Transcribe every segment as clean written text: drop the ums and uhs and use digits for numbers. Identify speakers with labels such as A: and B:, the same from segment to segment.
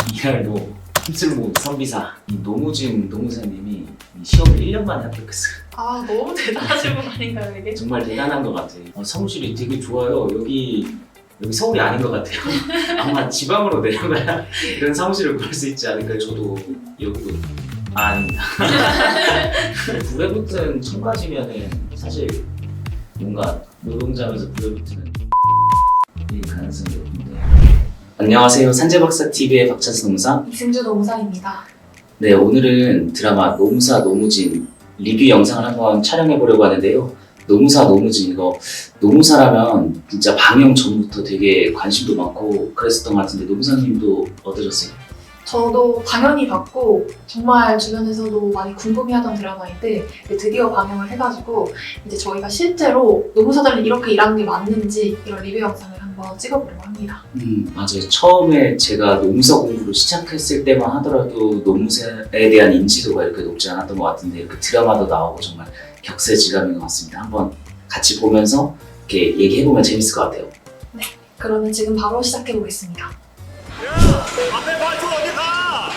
A: 이날도 힘쓸모 선비사 노무진 노무사님이 이 시험을 1년 만에 합격했어요.
B: 아 너무 대단하신 분 아닌가요 이게?
A: 정말 대단한 것 같아요. 사무실이 되게 좋아요. 여기 서울이 아닌 것 같아요. 아마 지방으로 내려가야 이런 사무실을 구할 수 있지 않을까요? 저도 여기도 아닙니다. 9회 붙은 청바지면은 사실 뭔가 노동자면서 9회 붙는 이 가능성이 높은데. 안녕하세요. 산재박사TV의 박찬수 노무사
B: 이승주 노무사입니다.
A: 네, 오늘은 드라마 노무사 노무진 리뷰 영상을 한번 촬영해 보려고 하는데요. 노무사 노무진 이거 노무사라면 진짜 방영 전부터 되게 관심도 많고 그랬었던 것 같은데 노무사님도 어떠셨어요?
B: 저도 당연히 봤고 정말 주변에서도 많이 궁금해하던 드라마인데 드디어 방영을 해가지고 이제 저희가 실제로 노무사들이 이렇게 일하는 게 맞는지 이런 리뷰 영상을 한번 찍어보려고 합니다.
A: 맞아요. 처음에 제가 노무사 공부를 시작했을 때만 하더라도 노무사에 대한 인지도가 이렇게 높지 않았던 것 같은데 이렇게 드라마도 나오고 정말 격세지감인 것 같습니다. 한번 같이 보면서 이렇게 얘기해보면 재밌을 것 같아요.
B: 네, 그러면 지금 바로 시작해보겠습니다.
C: 앞에 발톱 어디 가?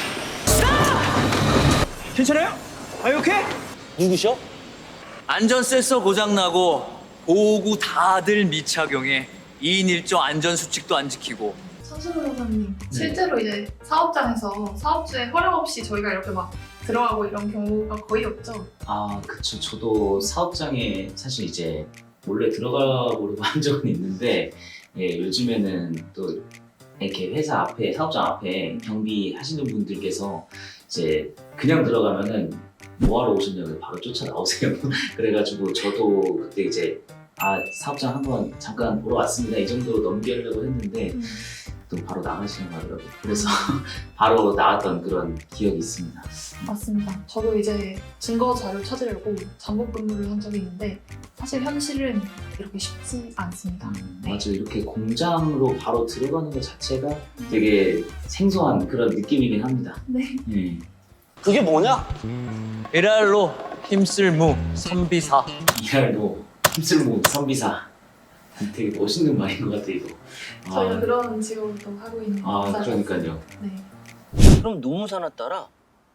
D: 괜찮아요? Are you okay?
E: 누구셔? 안전 센서 고장나고 보호구 다들 미착용해 2인 1조 안전수칙도 안 지키고.
B: 선수 변호사님, 실제로 이제 사업장에서 사업주의 허락 없이 저희가 이렇게 막 들어가고 이런 경우가 거의 없죠?
A: 아, 그쵸. 저도 사업장에 사실 이제 몰래 들어가 보려고 한 적은 있는데 예, 요즘에는 또 이렇게 회사 앞에, 사업장 앞에 경비하시는 분들께서 이제 그냥 들어가면은 뭐하러 오셨냐고 바로 쫓아 나오세요. 그래가지고 저도 그때 이제 사업장 한번 잠깐 보러 왔습니다. 이 정도로 넘기려고 했는데 또 바로 나가시는 거더라고요. 그래서 바로 나왔던 그런 기억이 있습니다.
B: 맞습니다. 저도 이제 증거 자료 찾으려고 잠복 근무를 한 적이 있는데 사실 현실은 이렇게 쉽지 않습니다. 네.
A: 맞아요. 이렇게 공장으로 바로 들어가는 것 자체가 되게 생소한 그런 느낌이긴 합니다.
B: 네.
A: 예.
E: 그게 뭐냐? 일할로 힘쓸무 선비사.
A: 이날도 힘쓸모 선비사 되게 멋있는 말인 것 같아 이거.
B: 저희가 그런 직업을 또 하고 있는 회사라서.
A: 그러니까요.
B: 네.
E: 그럼 노무사나 따라?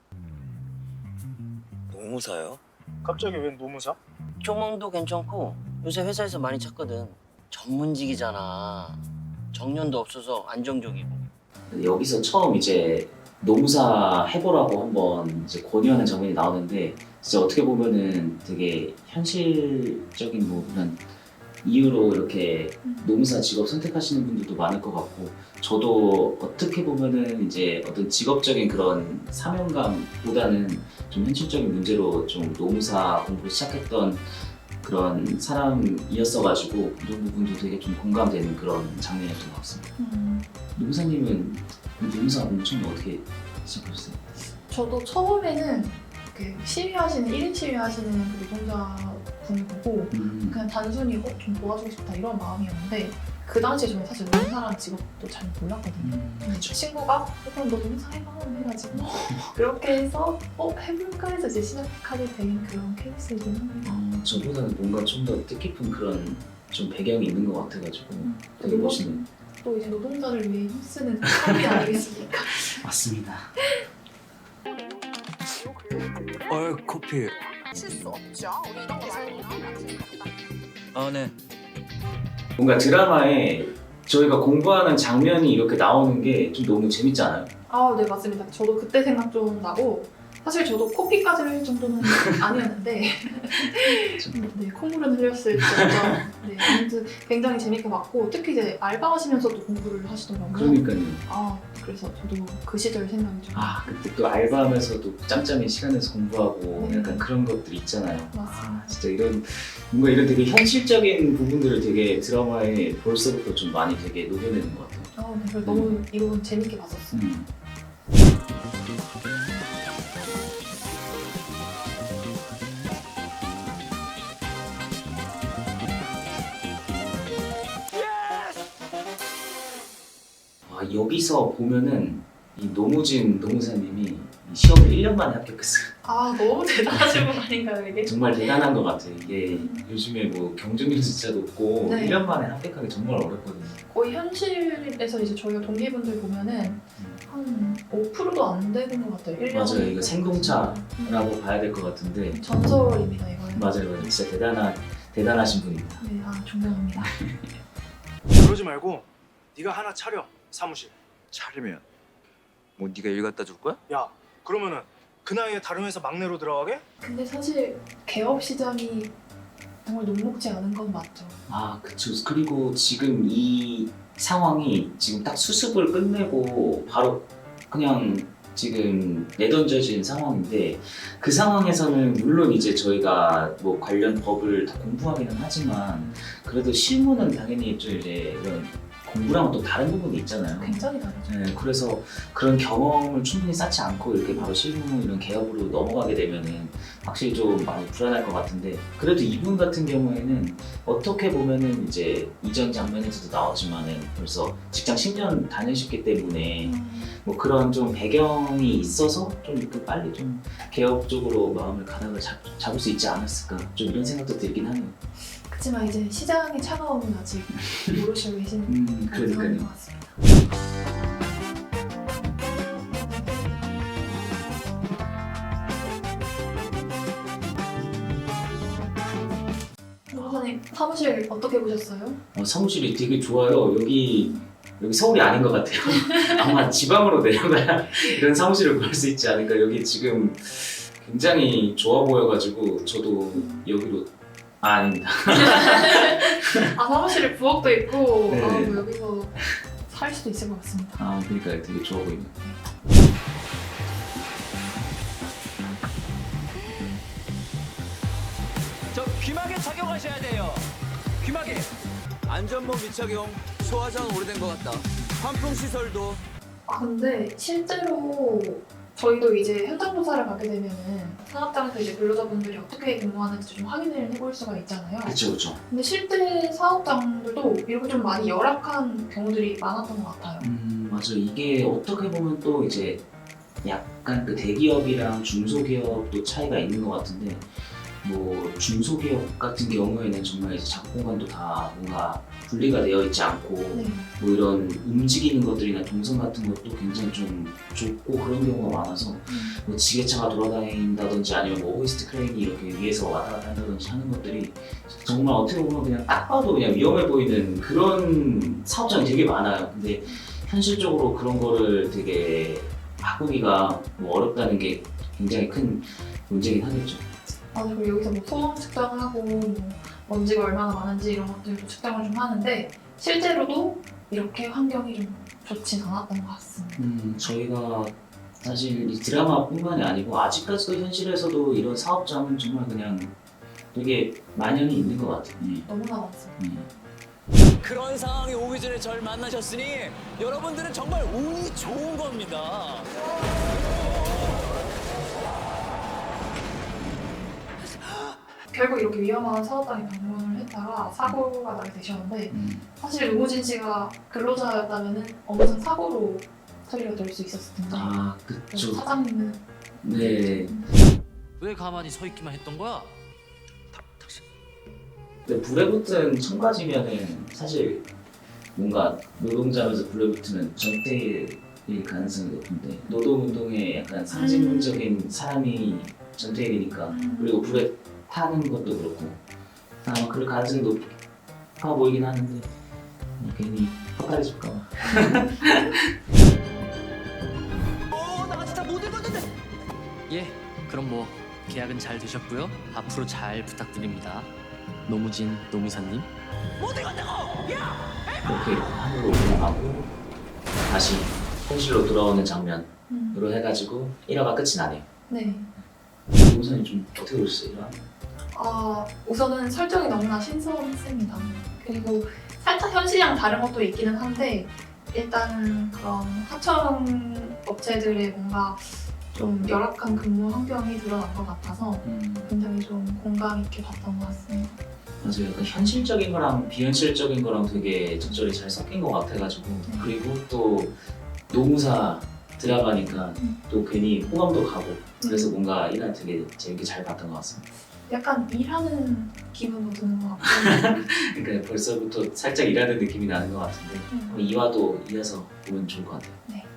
E: 노무사요?
C: 갑자기 웬 노무사?
F: 조망도 괜찮고 요새 회사에서 많이 찾거든. 전문직이잖아. 정년도 없어서 안정적이고.
A: 여기서 처음 이제 노무사 해보라고 한번 이제 권유하는 장면이 나오는데 진짜 어떻게 보면은 되게 현실적인 뭐 그런 이유로 이렇게 노무사 직업 선택하시는 분들도 많을 것 같고 저도 어떻게 보면은 이제 어떤 직업적인 그런 사명감보다는 좀 현실적인 문제로 좀 노무사 공부를 시작했던 그런 사람이었어가지고 이런 부분도 되게 좀 공감되는 그런 장면이었던 것 같습니다. 노무사님은 노무사 공부 처음에 어떻게 시작하셨어요?
B: 저도 처음에는 이렇게 시위하시는 1인 시위하시는 그 노동자분을 보고 그냥 단순히 좀 도와주고 싶다 이런 마음이었는데 그 당시에 저는 사실 노무사라는 직업도 잘 몰랐거든요. 근데 친구가 그럼 너 노무사 해봐 해가지고 그렇게 해서 해볼까 해서 이제 시작하게 된 그런 케이스이긴 합니다.
A: 저보다는 뭔가 좀 더 뜻깊은 그런 좀 배경이 있는 것 같아가지고 되게 멋있네요.
B: 또 이제 노동자를 위해 힘쓰는 사람이 아니겠습니까?
A: 맞습니다.
E: 커피.
G: 실수 없죠. 우리 이런 거 말고.
E: 네.
A: 뭔가 드라마에 저희가 공부하는 장면이 이렇게 나오는 게 좀 너무 재밌지 않아요?
B: 네 맞습니다. 저도 그때 생각 좀 나고 사실 저도 코피까지 할 정도는 아니었는데 네, 콧물은 흘렸을 정도. 네, 아무튼 굉장히 재밌게 봤고 특히 이제 알바하시면서도 공부를 하시더라고요.
A: 그러니까요.
B: 그래서 저도 그 시절 생각이 좀
A: 그때 또 알바하면서도 짬짬이 시간에서 공부하고
B: 네.
A: 약간 그런 것들 있잖아요.
B: 맞습니다.
A: 진짜 뭔가 이런 되게 현실적인 부분들을 되게 드라마에 벌써부터 좀 많이 되게 녹여내는 것 같아요.
B: 네, 그래서 너무 이거 재밌게 봤었어요.
A: 여기서 보면은 이 노무진 노무사님이 이 시험을 1년 만에 합격했어요.
B: 너무 대단하신 분 아닌가요 이게?
A: 정말 대단한 것 같아요. 이게 요즘에 뭐 경쟁률 진짜 높고
B: 네.
A: 1년 만에 합격하기 정말 어렵거든요.
B: 거의 현실에서 이제 저희가 동기분들 보면은 한 정도 안 되는 것 같아요. 1년
A: 맞아요. 이거 생동차라고 봐야 될 것 같은데.
B: 전설입니다 이거는.
A: 맞아요. 진짜 대단하신 분입니다.
B: 네, 존경합니다.
C: 그러지 말고 네가 하나 차려 사무실.
H: 차리면 뭐 네가 일 갖다 줄 거야?
C: 야 그러면은 그 나이에 다른 회사 막내로 들어가게?
B: 근데 사실 개업 시장이 정말 녹록지 않은 건 맞죠.
A: 아, 그쵸. 그리고 지금 이 상황이 지금 딱 수습을 끝내고 바로 그냥 지금 내던져진 상황인데 그 상황에서는 물론 이제 저희가 뭐 관련 법을 다 공부하기는 하지만 그래도 실무는 당연히 좀 이제 이런 공부랑은 또 다른 부분이 있잖아요.
B: 굉장히 다르죠.
A: 네, 그래서 그런 경험을 충분히 쌓지 않고 이렇게 바로 실무 이런 개업으로 넘어가게 되면은 확실히 좀 많이 불안할 것 같은데 그래도 이분 같은 경우에는 어떻게 보면은 이제 이전 장면에서도 나왔지만은 벌써 직장 10년 다니셨기 때문에 뭐 그런 좀 배경이 있어서 좀 이렇게 빨리 좀 개업 쪽으로 마음을 가닥을 잡을 수 있지 않았을까 좀 이런 생각도 들긴 하네요.
B: 그렇지만 이제 시장의 차가움은 아직 모르시고 계시는 그런 상황인 것 같습니다. 노무사님 사무실 어떻게 보셨어요?
A: 사무실이 되게 좋아요. 여기 서울이 아닌 것 같아요. 아마 지방으로 내려가야 이런 사무실을 구할 수 있지 않을까. 여기 지금 굉장히 좋아 보여가지고 저도 여기로 아닙니다.
B: 아 사무실에 부엌도 있고
A: 네.
B: 뭐 여기서 살 수도 있을 것 같습니다.
A: 그러니까 되게 좋아 보이네요.
E: 저 귀마개 착용하셔야 돼요. 귀마개. 안전모 미착용. 소화장 오래된 것 같다. 환풍 시설도.
B: 근데 실제로 저희도 이제 현장 조사를 가게 되면은 사업장에서 이제 근로자분들이 어떻게 근무하는지 좀 확인을 해볼 수가 있잖아요.
A: 그렇죠.
B: 근데 실제 사업장들도 이렇게 좀 많이 열악한 경우들이 많았던 것 같아요.
A: 맞아. 이게 어떻게 보면 또 이제 약간 그 대기업이랑 중소기업도 차이가 있는 것 같은데 뭐 중소기업 같은 경우에는 정말 이제 작공간도 다 뭔가 분리가 되어 있지 않고
B: 네.
A: 뭐 이런 움직이는 것들이나 동선 같은 것도 굉장히 좀 좁고 그런 경우가 많아서 뭐 지게차가 돌아다닌다든지 아니면 뭐 호이스트 크레인이 이렇게 위에서 왔다 갔다 한다든지 하는 것들이 정말 어떻게 보면 그냥 딱 봐도 그냥 위험해 보이는 그런 사업장이 되게 많아요. 근데 현실적으로 그런 거를 되게 바꾸기가 뭐 어렵다는 게 굉장히 큰 문제긴 하겠죠.
B: 그리고 여기서 뭐 소음 측정하고 뭐 먼지가 얼마나 많은지 이런 것들도 측정을 좀 하는데 실제로도 이렇게 환경이 좀 좋진 않았던 것 같습니다.
A: 저희가 사실 이 드라마뿐만이 아니고 아직까지도 현실에서도 이런 사업장은 정말 그냥 되게 만연히 있는 것 같아요.
B: 너무나 많습니다.
E: 그런 상황이 오기 전에 절 만나셨으니 여러분들은 정말 운이 좋은 겁니다.
B: 결국 이렇게 위험한 사업장에 방문을 했다가 사고가 나게 되셨는데 사실 노무진 씨가 근로자였다면 엄청 사고로 처리가 될 수 있었을 텐데
A: 그쵸.
B: 사장님은
A: 네.
I: 왜 가만히 서 있기만 했던 거야?
A: 근데 불에 붙은 청바지면은 사실 뭔가 노동자면서 불에 붙으면 전태일일 가능성이 높은데 노동운동의 약간 상징적인 사람이 전태일이니까 그리고 불에 타는 것도 그렇고 아마 그럴 가능성이 높아 보이긴 하는데 괜히 헛다리질까 봐.
E: 나 진짜 못 읽었는데.
I: 예, 그럼 뭐 계약은 잘 되셨고요. 앞으로 잘 부탁드립니다. 노무진 노무사님.
E: 못 읽었다고. 야.
A: 그렇게 하늘로 올라가고 다시 현실로 돌아오는 장면으로 해가지고 1화가 끝이 나네요.
B: 네.
A: 노무사님 좀 어떻게 보셨어요? 1화?
B: 우선은 설정이 너무나 신선했습니다. 그리고 살짝 현실이랑 다른 것도 있기는 한데 일단 그런 하청 업체들의 뭔가 좀 열악한 근무 환경이 드러난 것 같아서 굉장히 좀 공감 있게 봤던 것 같습니다.
A: 맞아요. 약간 현실적인 거랑 비현실적인 거랑 되게 적절히 잘 섞인 것 같아가지고 그리고 또 노무사 드라마니까 또 괜히 호감도 가고 그래서 뭔가 1화 되게 재밌게 잘 봤던 것 같습니다.
B: 약간 일하는 기분도 드는 것 같고
A: 그러니까 벌써부터 살짝 일하는 느낌이 나는 것 같은데 2화도 이어서 보면 좋을 것 같아요.
B: 네.